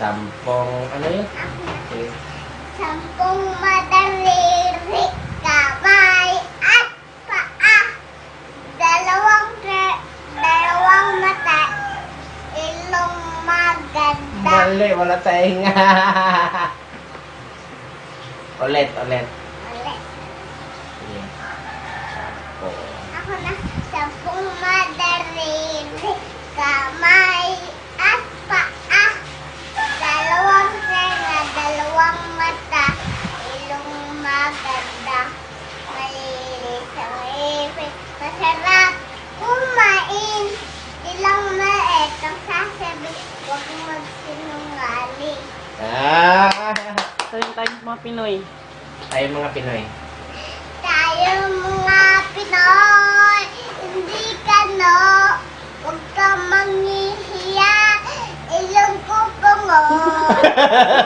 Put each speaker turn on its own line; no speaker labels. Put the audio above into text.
ano yun? Okay.
10 madaliri, kamay at paa. 2 mata, ilong maganda.
Mali, wala tayong ulit.
Ulit.
Sige.
Ako na, 10 madaliri, kamay at paa. 2 tenga, 2 mata, ilong maganda. Malinis ang ipin, masarap kumain. Ilang maliit ang sasabi, huwag magsinungaling.
Tayo mga Pinoy.
Tayo mga Pinoy.
Tayo mga Pinoy, hindi ka no, huwag ka manghihiya, ilong ko pungo.